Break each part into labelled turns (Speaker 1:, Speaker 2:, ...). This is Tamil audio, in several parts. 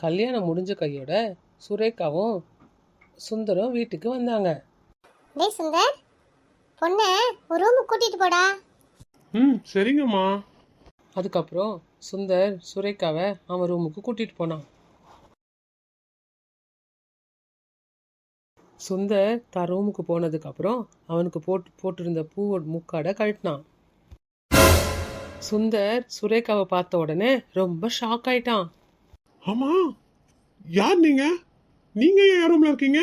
Speaker 1: கல்யாணம் முடிஞ்ச கையோட சுரேகாவும் சுந்தரம் வீட்டுக்கு வந்தாங்க.
Speaker 2: டேய் சுந்தர், பொண்ணை ஒரு ரூமுக்கு கூட்டிட்டு போடா.
Speaker 3: சரிங்கம்மா.
Speaker 1: அதுக்கப்புறம் சுந்தர் சுரேகாவை அவன் ரூமுக்கு கூட்டிட்டு போனான். சுந்தர் தான் ரூமுக்கு போனதுக்கு அப்புறம் அவனுக்கு போட்டிருந்த பூவோட முக்காடை கழட்டினான். சுந்தர் சுரேகாவை பார்த்த உடனே ரொம்ப ஷாக் ஆயிட்டான்.
Speaker 3: ஆமா, யார் நீங்க? நீங்க ஏன் ரூம்ல இருக்கீங்க?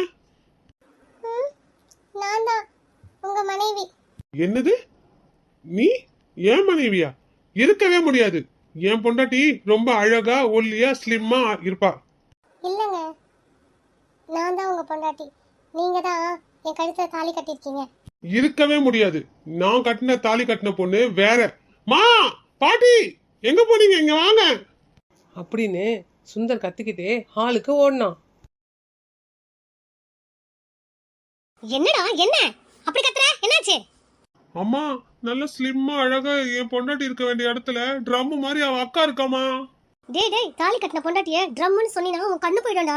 Speaker 2: நான் தான் உங்க மனைவி.
Speaker 3: என்னது? நீ ஏன் மனைவியா? இருக்கவே முடியாது. என் பொண்டாட்டி ரொம்ப அழகா ஒல்லியா ஸ்லிம்மா இருப்பா.
Speaker 2: இல்லைங்க, நான் தான் உங்க பொண்டாட்டி. நீங்க தான் என் கழுத்துல தாலி கட்டிருக்கீங்க.
Speaker 3: இருக்கவே முடியாது. நான் கட்டின தாலி கட்டின பொண்ணு வேற. மா, பாட்டி, எங்க போனீங்க? இங்க வாங்க
Speaker 1: அப்படின்னு சுந்தர் கத்திக்கிட்டே ஹாலுக்கு ஓடினான்.
Speaker 2: என்னடா என்ன அப்படி கத்துற? என்னாச்சு?
Speaker 3: அம்மா, நல்ல ஸ்லிம்மா அழகா என் பொண்டாட்டி இருக்க வேண்டிய இடத்துல ட்ரம் மாதிரி அவ அக்கா இருக்காமா.
Speaker 2: டேய் டேய், தாலி கட்டின பொண்டாட்டிய ட்ரம்னு சொன்னீனா உன் கண்ணு போயிடும்டா.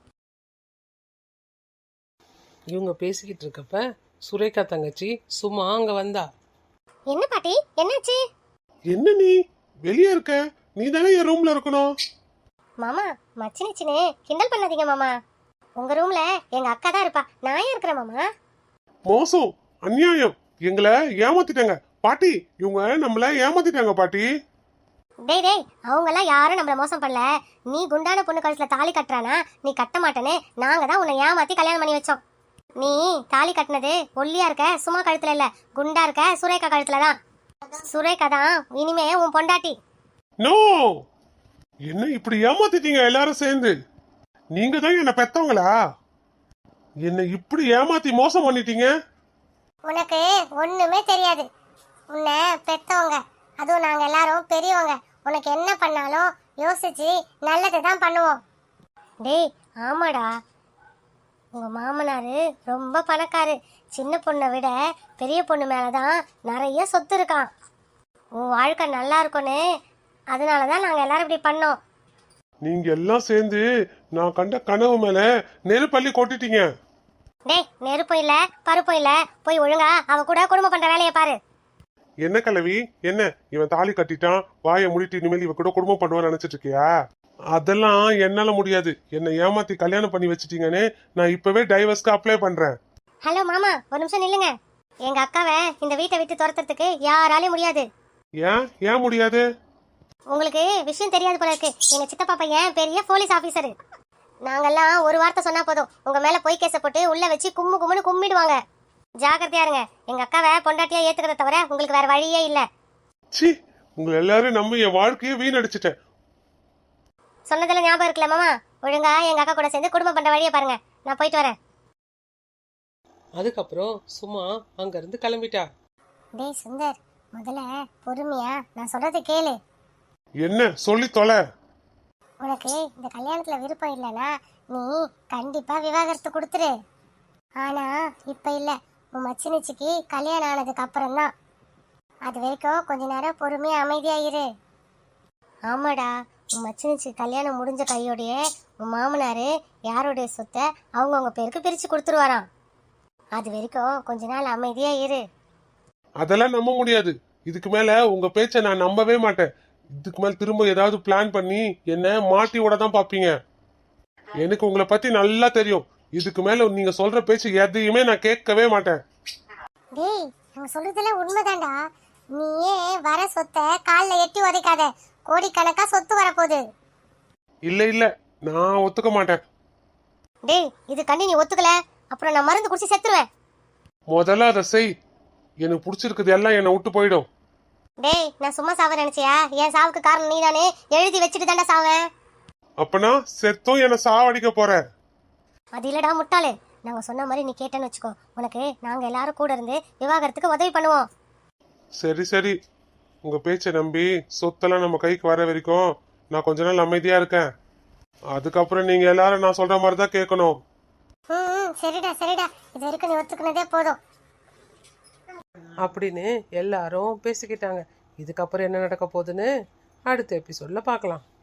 Speaker 1: இவங்க பேசிக்கிட்டு இருக்கப்ப சுரேகா தங்கச்சி சும்மா அங்க வந்தா.
Speaker 2: என்ன பாட்டி, என்னாச்சு?
Speaker 3: என்ன நீ வெளியே இருக்க? நீ தானே என் ரூம்ல இருக்கணும்.
Speaker 2: மாமா, மச்சினிச்சினே கிண்டல் பண்ணாதீங்க மாமா. உங்க ரூம்ல எங்க அக்கா தான் இருப்பா, நான் ஏன் இருக்கிறேன் மாமா?
Speaker 3: மோசம், அநியாயம், எங்களை ஏமாத்திட்டாங்க பாட்டி. இவங்க நம்மள ஏமாத்திட்டாங்க பாட்டி.
Speaker 2: டேய் டேய், அவங்கெல்லாம் யாரும் நம்மள மோசம் பண்ணல. நீ குண்டான பொண்ணு கழுத்துல தாலி கட்டுறானா, நீ கட்ட மாட்டேன்னு நாங்க தான் உன்னை ஏமாத்தி கல்யாணம் பண்ணி வச்சோம். நீ தாலி கட்டினது ஒல்லியா இருக்க சும்மா கழுத்துல இல்ல, குண்டா இருக்க சுரேகா கழுத்துல தான். சுரேகா தான் இனிமே உன் பொண்டாட்டி.
Speaker 3: நோ, என்ன இப்படி ஏமாத்திட்டீங்க எல்லாரும் சேர்ந்து? நீங்க தான் என்ன பெத்தவங்களா? என்ன இப்படி ஏமாத்தி மோசம் பண்ணிட்டீங்க.
Speaker 2: உனக்கு ஒண்ணுமே தெரியாது. உன்னை பெத்தவங்க, அதுவும் நாங்க எல்லாரும் பெரியவங்க. உனக்கு என்ன பண்ணாலும் யோசிச்சு நல்லது தான் பண்ணுவோம். டேய் ஆமாடா, உங்க மாமனாரு ரொம்ப பணக்காரு. சின்ன பொண்ணை விட பெரிய பொண்ணு மேலதான் நிறைய சொத்து இருக்கான். உன் வாழ்க்கை நல்லா இருக்கும்னு அதனாலதான் நாங்க எல்லாரும் இப்படி பண்ணோம்.
Speaker 3: நீங்க எல்லாம் சேர்ந்து நான் கண்ட கனவு மேல நெருப்பள்ளி கொட்டிட்டீங்க.
Speaker 2: டேய், நெருப்பும் இல்ல பருப்பும் இல்ல, போய் ஒழுங்கா அவ கூட குடும்பம் பண்ற வேலையை பாரு.
Speaker 3: என்ன கிழவி, என்ன இவன் தாலி கட்டிட்டான், வாயை முடிட்டு இனிமேல் இவ கூட குடும்பம் பண்ணுவான்னு நினைச்சிட்டு இருக்கியா? அதெல்லாம் என்னால முடியாது. என்னை ஏமாத்தி கல்யாணம் பண்ணி வச்சிட்டீங்கன்னு நான் இப்பவே டைவர்ஸ்க்கு அப்ளை பண்றேன்.
Speaker 2: ஹலோ மாமா, ஒரு நிமிஷம் நில்லுங்க. எங்க அக்காவை இந்த வீட்டை விட்டு துரத்துறதுக்கு யாராலையும் முடியாது.
Speaker 3: ஏன் முடியாது?
Speaker 2: உங்களுக்கு விஷயம் தெரியாது போல இருக்கு. எங்க சித்தப்பா பையன் பெரிய போலீஸ் ஆபீசர். நாங்கெல்லாம் ஒரு வார்த்தை சொன்னா போதும், உங்க மேல பொய் கேச போட்டு உள்ள வச்சு கும்முன்னு கும்பிடுவாங்க. ஜாக்கிரதையா இருங்க. எங்க அக்காவை பொண்டாட்டியா ஏத்துக்கிறத தவிர உங்களுக்கு வேற வழியே இல்ல.
Speaker 3: சி, உங்களை எல்லாரும் நம்பி என் வாழ்க்கையை வீணடிச்சிட்டேன்.
Speaker 2: சொன்னதெல்லாம் ஞாபகம் இருக்குல்ல மாமா? ஒழுங்கா எங்க அக்கா கூட சேர்ந்து குடும்பம் பண்ற வழியை பாருங்க. நான் போயிட்டு வரேன்.
Speaker 1: அதுக்கப்புறம் சும்மா அங்க இருந்து கிளம்பிட்டா.
Speaker 2: டேய் சுந்தர், முதல்ல பொறுமையா நான் சொல்றது கேளு.
Speaker 3: என்ன சொல்லி தொலை.
Speaker 2: உனக்கு இந்த கல்யாணத்துல விருப்பம் இல்லைன்னா நீ கண்டிப்பா விவாகரத்து கொடுத்துரு. ஆனா இப்ப இல்ல, உன் மச்சினிச்சிக்கு கல்யாணம் ஆனதுக்கு அப்புறம் தான். அது வரைக்கும் கொஞ்ச நேரம் பொறுமையா அமைதியா இரு. ஆமாடா, உன் மச்சினிச்சி கல்யாணம் முடிஞ்ச கையோடையே உன் மாமனாரு யாருடைய சொத்தை அவங்கவுங்க பேருக்கு பிரிச்சு கொடுத்துருவாராம். அது வரைக்கும் கொஞ்ச நாள் அமைதியா இரு.
Speaker 3: அதெல்லாம் நம்ப முடியாது. இதுக்கு மேல உங்க பேச்ச நான் நம்பவே மாட்டேன். இதுக்கு மேல திரும்ப ஏதாவது பிளான் பண்ணி என்ன மாட்டி விட தான் பாப்பீங்க. எனக்கு உங்களை பத்தி நல்லா தெரியும். இதுக்கு மேல நீங்க சொல்ற பேச்சு எதையுமே நான் கேட்கவே மாட்டேன்.
Speaker 2: டேய், நான் சொல்றதெல்லாம் உண்மைதான்டா. நீயே வர சொத்தை கால்ல எட்டி உதைக்காத. கோடிக்கணக்கா சொத்து வரப்போகுது.
Speaker 3: இல்ல, நான் ஒத்துக்க மாட்டேன்.
Speaker 2: டேய், இது கண்டி நீ ஒத்துக்கல அப்புறம் நான் மருந்து குடிச்சு செத்துருவேன்.
Speaker 3: முதல்ல அதை செய். எனக்கு பிடிச்சிருக்குது எல்லாம் என்னை விட்டு போயிடும்.
Speaker 2: டேய், நான் சும்மா சாவ நினைச்சியா? என் சாவுக்கு காரணம் நீதானே. எழுதி வச்சுட்டு தாண்டா சாவேன்.
Speaker 3: அப்பனா செத்தும் என்ன சாவடிக்க போற?
Speaker 2: அது இல்லடா முட்டாளு. நாங்க சொன்ன மாதிரி நீ கேட்டேன்னு வச்சுக்கோ, உனக்கு நாங்க எல்லாரும் கூட இருந்து விவாகரத்துக்கு உதவி பண்ணுவோம்.
Speaker 3: சரி, உங்க பேச்சை நம்பி சொத்தெல்லாம் நம்ம கைக்கு வர வரைக்கும் நான் கொஞ்ச நாள் அமைதியா இருக்கேன். அதுக்கப்புறம் நீங்க எல்லாரும் நான் சொல்ற மாதிரி தான் கேட்கணும்.
Speaker 2: சரிடா இது வரைக்கும் நீ ஒத்துக்கினதே போதும்
Speaker 1: அப்படின்னு எல்லாரும் பேசிக்கிட்டாங்க. இதுக்கப்புறம் என்ன நடக்க போகுதுன்னு அடுத்த எபிசோட்ல பார்க்கலாம்.